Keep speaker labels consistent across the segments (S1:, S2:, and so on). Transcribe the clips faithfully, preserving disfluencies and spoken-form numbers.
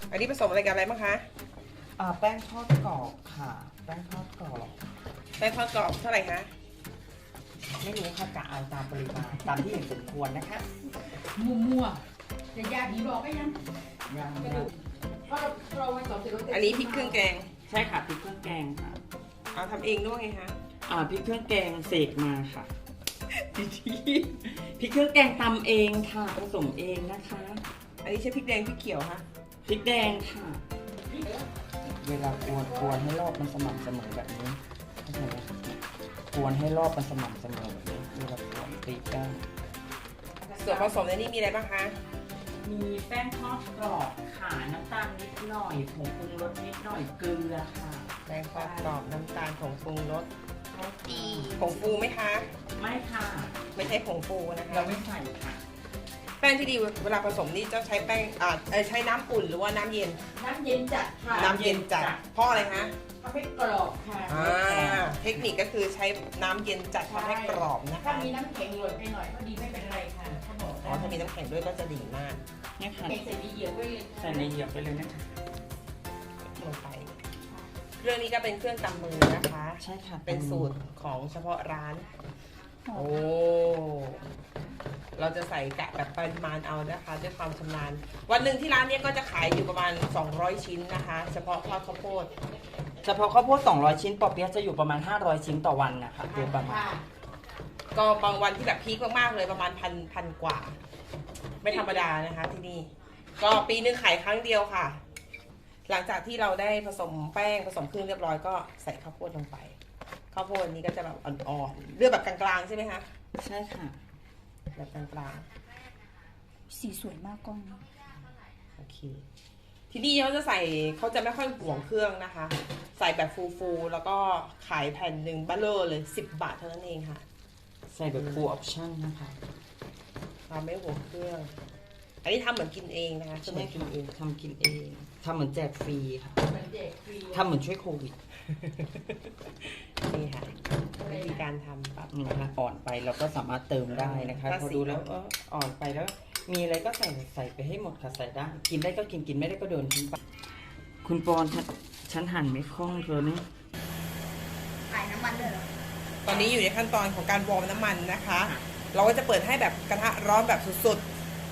S1: อันนี้ผสมอะไรกับอะไรบ้างคะ
S2: อ่าแป้งทอดกรอบค่ะแป้งทอดกรอบ
S1: แป้งทอดกรอบเท่าไหร่คะ
S2: ไม่รู้ค่ะกะเอาตามปริมาณตามที่เห็นสมควรนะคะ
S3: มัวมัวจะยาผีบอกก็ยัง
S2: ยัง
S3: กระดูกเพราะเราเราไว้ต่อเสร็จ
S1: อันนี้พริกเครื่องแกง
S2: ใช่ค่ะพริกเครื่องแกงค่ะ
S1: เอาทำเองด้วยไงคะ
S2: อ่าพริกเครื่องแกงเสกมาค่ะดีทีพริกเครื่องแกงตำเองค่ะผสมเองนะคะ
S1: อันนี้ใช้พริกแดงพริกเขียวคะ
S2: พริกแดงค่ะเวลากวนกวนให้รอบมันสม่ำเสมอแบบนี้เข้าใจไหมกวนให้รอบมันสม่ำเสมอแบบนี้เวลากวนตีแป้ง
S1: ส่วนผสมในนี้มีอะไรบ้างคะ
S2: มีแป้งทอดกรอบค่ะน้ำตาลนิดหน่อยผงปรุงรสนิดหน่อยเกลือค่ะ
S1: แป้งทอดกรอบน้ำตาลผงปรุงรส
S3: ตี
S1: ผงฟูไหมคะ
S2: ไม่ค่ะ
S1: ไม่ใช่ผงฟูนะคะ
S2: เราไม่ใส่ค่ะ
S1: แป้งที่ดีเวลาผสมนี่จะใช้แป้งอ่าเอ่อใช้น้ำอุ่นหรือว่าน้ำเย็น
S3: น้ำเย็นจัดค่ะ
S1: น้ำเย็นจัดเพราะอะไรคะ
S3: ทำให้กรอบค่ะ
S1: อ่าเทคนิคก็คือใช้น้ำเย็นจัดทำให้กรอบนะ
S3: ถ้า
S1: คะ
S3: มีน้ำแข็งหล่นไปหน่อยก็ดีไม่เป็นไรค่ะเขาบอก
S1: อ๋อถ้ามีน้ำแข็งด้วยก็จะดีมาก
S2: เนี่ยค่ะ
S3: แข็งใส่ดีเหยียบไว้เลย
S2: ใส่ในเหยียบไปเลยนะคะ
S1: ลงไปเครื่องนี้ก็เป็นเครื่องตำมือนะคะ
S2: ใช่ค่ะ
S1: เป็นสูตรของเฉพาะร้าน โอ้ เราจะใส่กะแบบปริมาณเอานะคะด้วยความชำนาญ วันหนึ่งที่ร้านเนี้ยก็จะขายอยู่ประมาณสองร้อยชิ้นนะคะ เฉพาะทอดข้าวโพด
S2: เฉพาะข้าวโพดสองร้อยชิ้นปอเปี๊ยะจะอยู่ประมาณห้าร้อยชิ้นต่อวันนะคะโดยประมาณ
S3: ค่ะ
S1: ก็บางวันที่แบบพีคมากๆเลยประมาณพันพันกว่า ไม่ธรรมดานะคะที่นี่ ก็ปีนึงขายครั้งเดียวค่ะ หลังจากที่เราได้ผสมแป้งผสมเครื่องเรียบร้อยก็ใส่ข้าวโพดลงไป ข้าวโพดนี้ก็จะแบบอ่อนๆเลือกแบบกลางๆใช่ไหมคะ
S2: ใช่ค่ะ
S1: แบบกลาง
S3: สีสวยมากกล้อง
S1: ๆโอเค ที่นี่เขาจะใส่เขาจะไม่ค่อยห่วงเครื่องนะคะ ใส่แบบฟูๆแล้วก็ขายแผ่นหนึ่งบัลเลอร์เลยสิบบาทเท่านั้นเองค่ะ
S2: ใส่แบบ full option นะคะ
S1: เราไม่ห่วงเครื่อง อันนี้ทำเหมือนกินเองนะคะจะเหมือนกินเอง
S2: ทำกินเองทำเหมือนแจกฟรีค่ะ
S3: เหมือนเด็กฟรี
S2: ทำเหมือนช่วยโควิด
S1: นี่ค่ะวิธีการทำแบบ
S2: นี่นะคะอ่อนไปเราก็สามารถเติมได้นะคะ
S1: ถ้า
S2: พอ
S1: สี
S2: ดูแล้วเอออ่อนไปแล้ว มีอะไรก็ใส่ใส่ไปให้หมดค่ะใส่ได้ กินได้ก็กินกินไม่ได้ก็โดนทิ้งไปคุณปอนฉันฉันหั่นไม่คล่องเลยนี่
S3: ขายน้ำมันเลยเหรอ
S1: ตอนนี้อยู่ในขั้นตอนของการวอร์มน้ำมันนะคะ เราก็จะเปิดให้แบบกระทะร้อนแบบสุด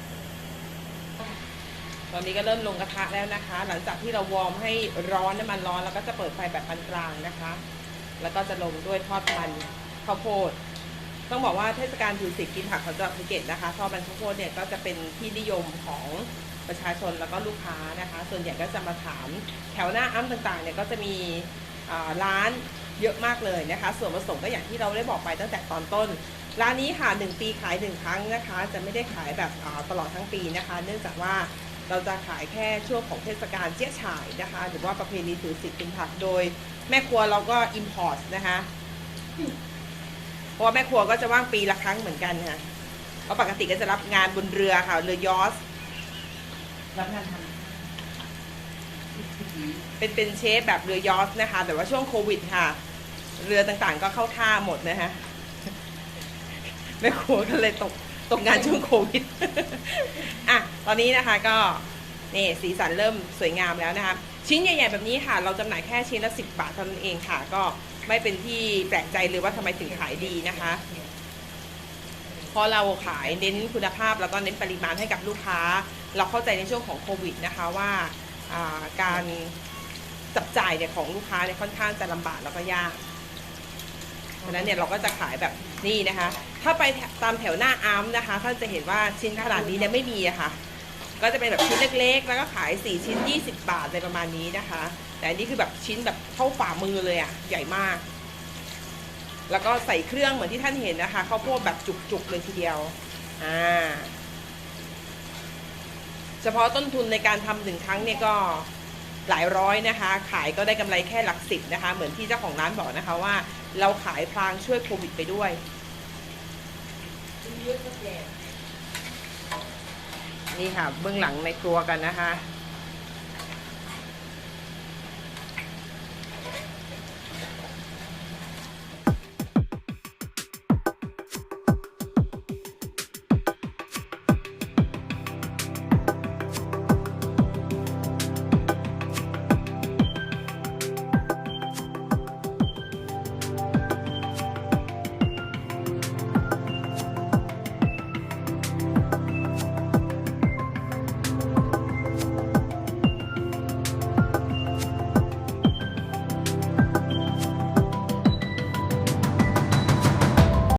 S1: ๆ ตอนนี้ก็เริ่มลงกระทะแล้วนะคะ หลังจากที่เราวอร์มให้ร้อนน้ำมันร้อนแล้วก็จะเปิดไฟแบบปานกลางนะคะ แล้วก็จะลงด้วยทอดมันข้าวโพด ต้องบอกว่าเทศกาลถือศีลกินผักของจังหวัดภูเก็ตนะคะทอดมันข้าวโพดเนี่ยก็จะเป็นที่นิยมของประชาชนแล้วก็ลูกค้านะคะ ส่วนใหญ่ก็จะมาถามแถวหน้าอ้ำต่างๆเนี่ยก็จะมีร้านเยอะมากเลยนะคะ ส่วนผสมก็อย่างที่เราได้บอกไปตั้งแต่ตอนต้น ร้านนี้ค่ะหนึ่งปีขายหนึ่งครั้งนะคะ จะไม่ได้ขายแบบตลอดทั้งปีนะคะ เนื่องจากว่าเราจะขายแค่ช่วงของเทศกาลเจี๊ยะฉ่ายนะคะ หรือว่าประเพณีถือศีลกินผักโดยแม่ครัวเราก็อิมพอร์ตนะคะเพราะว่าแม่ครัวก็จะว่างปีละครั้งเหมือนกันค่ะเพราะปกติก็จะรับงานบนเรือค่ะเรือยอชต์รับงานทำเป็นเป็นเชฟแบบเรือยอชต์นะคะแต่ว่าช่วงโควิดค่ะเรือต่างๆก็เข้าท่าหมดนะคะแม่ครัวก็เลยตกตกงานช่วงโควิดอ่ะตอนนี้นะคะก็นี่สีสันเริ่มสวยงามแล้วนะคะชิ้นใหญ่ๆแบบนี้ค่ะเราจำหน่ายแค่ชิ้นละสิบบาทเท่านั้นเองค่ะก็ไม่เป็นที่แปลกใจเลยว่าทำไมถึงขายดีนะคะเพราะเราขายเน้นคุณภาพแล้วก็เน้นปริมาณให้กับลูกค้าเราเข้าใจในช่วงของโควิดนะคะว่าการจับจ่ายเนี่ยของลูกค้าเนี่ยค่อนข้างจะลำบากแล้วก็ยากดังนั้นเนี่ยเราก็จะขายแบบนี้นะคะถ้าไปตามแถวหน้าอาร์มนะคะท่านจะเห็นว่าชิ้นขนาดนี้เนี่ยไม่มีอะค่ะก็จะเป็นแบบชิ้นเล็กๆแล้วก็ขายสี่ชิ้นยี่สิบบาทอะไรประมาณนี้นะคะแต่อันนี้คือแบบชิ้นแบบเท่าฝ่ามือเลยอะใหญ่มากแล้วก็ใส่เครื่องเหมือนที่ท่านเห็นนะคะข้าวโพดแบบจุกๆเลยทีเดียวอ่าเฉพาะต้นทุนในการทำหนึ่งครั้งเนี่ยก็หลายร้อยนะคะขายก็ได้กำไรแค่หลักสิบนะคะเหมือนที่เจ้าของร้านบอกนะคะว่าเราขายพลางช่วยโควิดไปด้วยนี่ค่ะเบื้องหลังในครัวกันนะคะ